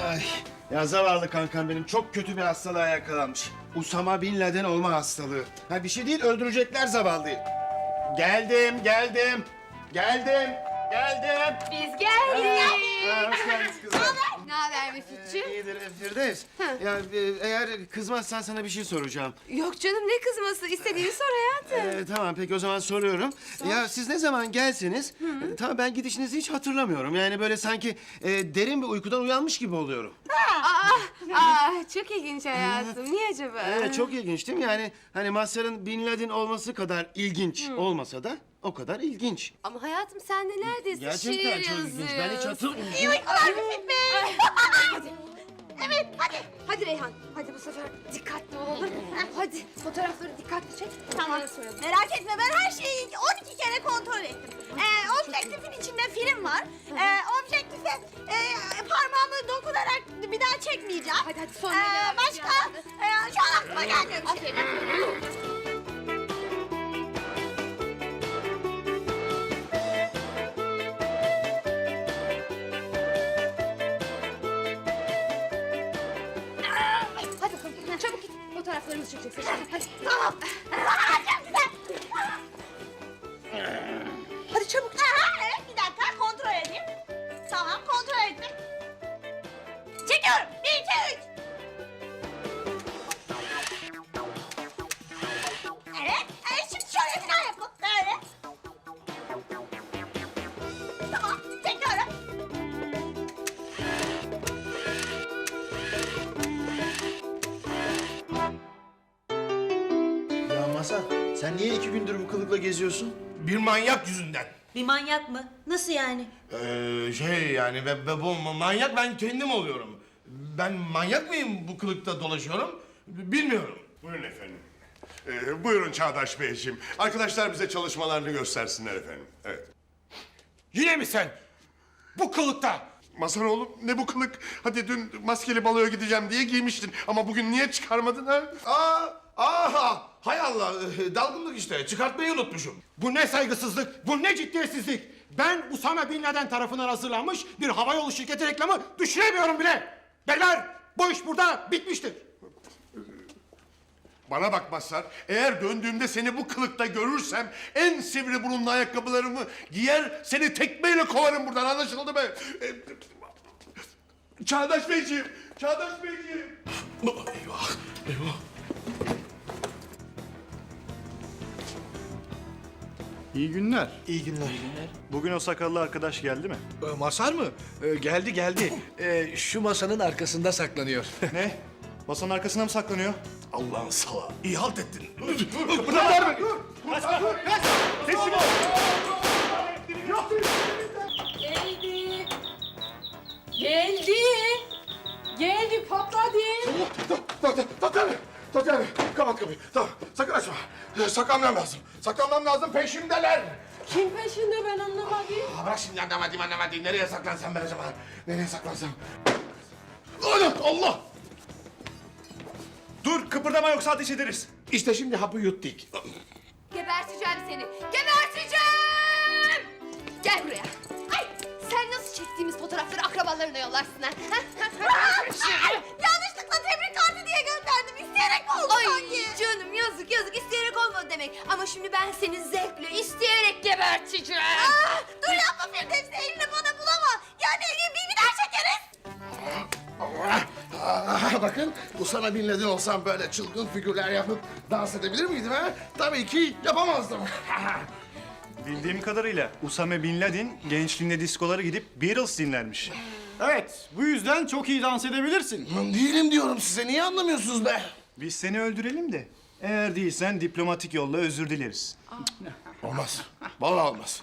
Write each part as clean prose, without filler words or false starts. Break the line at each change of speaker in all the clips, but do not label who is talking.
Ay, ya zavallı kankam benim çok kötü bir hastalığa yakalanmış. Usama Bin Laden olma hastalığı. Ha bir şey değil, öldürecekler zavallıyı. Geldim.
Biz geldik.
Ha, hoş geldiniz kızlar.
Ne haber Müfitciğim?
İyidir Firdevs. Ya eğer kızmazsan sana bir şey soracağım.
Yok canım ne kızması? İstediğini sor hayatım.
Tamam peki o zaman soruyorum. Ya siz ne zaman gelseniz, tamam ben gidişinizi hiç hatırlamıyorum. Yani böyle sanki derin bir uykudan uyanmış gibi oluyorum.
Çok ilginç hayatım. Niye acaba?
Evet çok ilginç değil mi? Yani hani Mazhar'ın Bin Laden olması kadar ilginç olmasa da o kadar ilginç.
Ama hayatım sen de neredesin?
Gerçekten
Şiir
çok ilginç. Ben hiç
yazıyorsun.
hatırlamıyorum.
İyi uykular Müfit Bey. Hadi. Evet hadi. Hadi Reyhan. Hadi bu sefer dikkatli olalım. Hadi fotoğrafları dikkatli çek.
Tamam. Merak etme ben her şeyi 12 kere kontrol ettim. Objektifin içinde film var. Objektife parmağımı dokunarak bir daha çekmeyeceğim.
Hadi sonra devam et
Başka şu an aklıma gelmiyor bir şey.
Hadi bakalım. Çabuk git. Fotoğraflarımızı çekeceksin. Hadi.
Tamam. Çok güzel.
Hadi çabuk.
Evet bir dakika kontrol edeyim. Tamam kontrol ettim. Çekiyorum. 1, 2, 3. Evet. Şimdi şöyle falan yapalım. Böyle. Tamam. Çekiyorum.
Ya Mazhar, sen niye 2 gündür bu kılıkla geziyorsun?
Bir manyak yüzünden.
Bir manyak mı? Nasıl yani?
Yani bu manyak ben kendim oluyorum. Ben manyak mıyım bu kılıkta dolaşıyorum? Bilmiyorum.
Buyurun efendim. Buyurun Çağdaş Beyciğim. Arkadaşlar bize çalışmalarını göstersinler efendim. Evet.
Yine mi sen? Bu kılıkta.
Mazhar oğlum ne bu kılık? Hadi dün maskeli baloya gideceğim diye giymiştin. Ama bugün niye çıkarmadın ha?
Hay Allah, dalgınlık işte. Çıkartmayı unutmuşum. Bu ne saygısızlık, bu ne ciddiyetsizlik. Ben Usama Bin Laden tarafından hazırlanmış bir havayolu şirketi reklamı düşünemiyorum bile. Beyler, bu iş burada bitmiştir.
Bana bak Mazhar. Eğer döndüğümde seni bu kılıkta görürsem en sivri burunlu ayakkabılarımı giyer seni tekmeyle kovarım buradan, anlaşıldı mı? Çağdaş Beyciğim, Çağdaş Beyciğim.
Eyvah, eyvah.
İyi günler.
İyi günler.
Bugün o sakallı arkadaş geldi mi?
Masar mı? Geldi. Şu masanın arkasında saklanıyor.
Ne? Masanın arkasına mı saklanıyor?
Allah'ın salağı. İyi halt ettin.
Teslim ol!
Geldi patladı.
Tatyana, kapat kapıyı. Tamam, sakın açma. Saklanmam lazım. Saklanmam lazım, peşimdeler.
Kim peşinde ben anlamadım.
Bırak şimdi anlamadım. Nereye saklansam ben acaba? Nereye saklansam? Allah!
Dur, kıpırdama yoksa ateş ederiz.
İşte şimdi hapı yuttuk.
Geberteceğim seni. Geberteceğim. Gel buraya. Ay sen nasıl çektiğimiz fotoğrafları akrabalarına yollarsın ha?
Yanlışlıkla tebrik kartı diye gönderdim. İsteyerek mi oldu
Ay
sanki?
canım yazık isteyerek olmadı demek. Ama şimdi ben seni zevkle isteyerek geberteceğim.
Dur yapma Firdevs, elini bana bulama. Yani bir daha çekeriz.
Bakın, Usama Bin Laden olsam böyle çılgın figürler yapıp dans edebilir miydim ha? Tabii ki yapamazdım.
Bildiğim kadarıyla Usame Bin Laden gençliğinde diskolara gidip Beatles dinlermiş.
Evet, bu yüzden çok iyi dans edebilirsin.
Değilim diyorum size, niye anlamıyorsunuz be?
Biz seni öldürelim de eğer değilsen diplomatik yolla özür dileriz.
Olmaz, vallahi olmaz.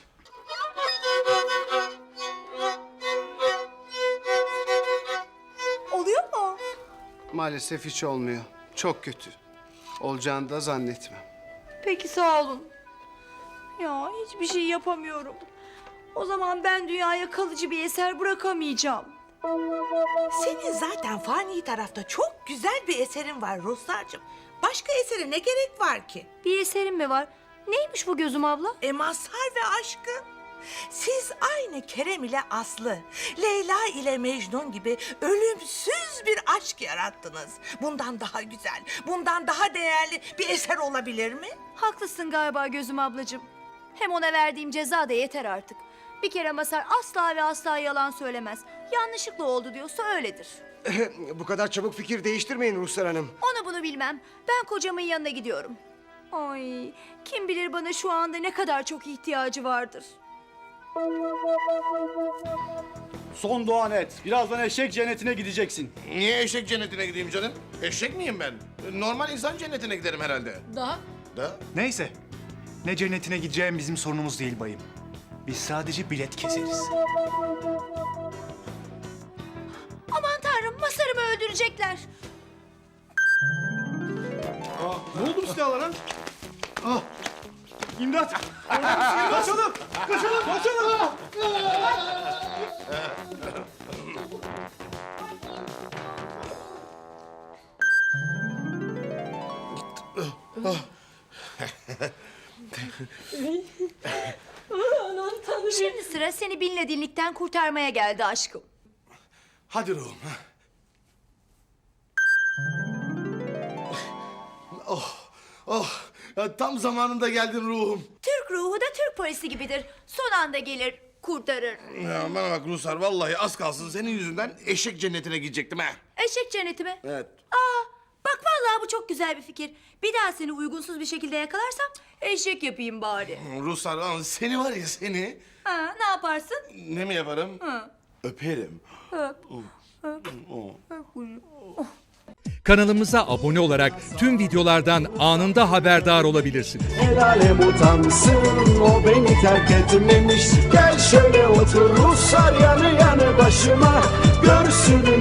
Oluyor mu?
Maalesef hiç olmuyor. Çok kötü. Olacağını da zannetmem.
Peki sağ olun. Ya hiçbir şey yapamıyorum. O zaman ben dünyaya kalıcı bir eser bırakamayacağım.
Senin zaten fani tarafta çok güzel bir eserin var Ruslarcığım. Başka esere ne gerek var ki?
Bir eserim mi var? Neymiş bu gözüm abla?
Mazhar ve aşkın. Siz aynı Kerem ile Aslı, Leyla ile Mecnun gibi ölümsüz bir aşk yarattınız. Bundan daha güzel, bundan daha değerli bir eser olabilir mi?
Haklısın galiba Gözüm ablacığım. Hem ona verdiğim ceza da yeter artık. Bir kere Masar asla ve asla yalan söylemez. Yanlışlıkla oldu diyorsa öyledir.
Bu kadar çabuk fikir değiştirmeyin Ruhsar Hanım.
Onu bunu bilmem. Ben kocamın yanına gidiyorum. Ay, kim bilir bana şu anda ne kadar çok ihtiyacı vardır.
Son duan et. Birazdan eşek cennetine gideceksin.
Niye eşek cennetine gideyim canım? Eşek miyim ben? Normal insan cennetine giderim herhalde.
Daha?
Da?
Neyse. Ne cennetine gideceğim bizim sorunumuz değil bayım. Biz sadece bilet keseriz.
Aman tanrım, Masar'ımı öldürecekler.
Ne oldu bu silahlara? İmdat! Kaçalım! Kaçalım! Kaçalım!
Şimdi sıra seni Bin Laden'likten kurtarmaya geldi aşkım.
Hadi ruhum. Ya tam zamanında geldin ruhum.
Türk ruhu da Türk polisi gibidir. Son anda gelir, kurtarır.
Ya bana bak Ruhsar, vallahi az kalsın senin yüzünden eşek cennetine gidecektim ha.
Eşek cenneti mi?
Evet.
Bak vallahi bu çok güzel bir fikir. Bir daha seni uygunsuz bir şekilde yakalarsam eşek yapayım bari.
Ruhsar, seni var ya seni.
Ha, ne yaparsın?
Ne mi yaparım? Öperim.
Kanalımıza abone olarak tüm videolardan anında haberdar olabilirsiniz.
El alem utansın, o beni terk etmemiş. Gel şöyle otur Ruhsar yanı yanı başıma. Görsün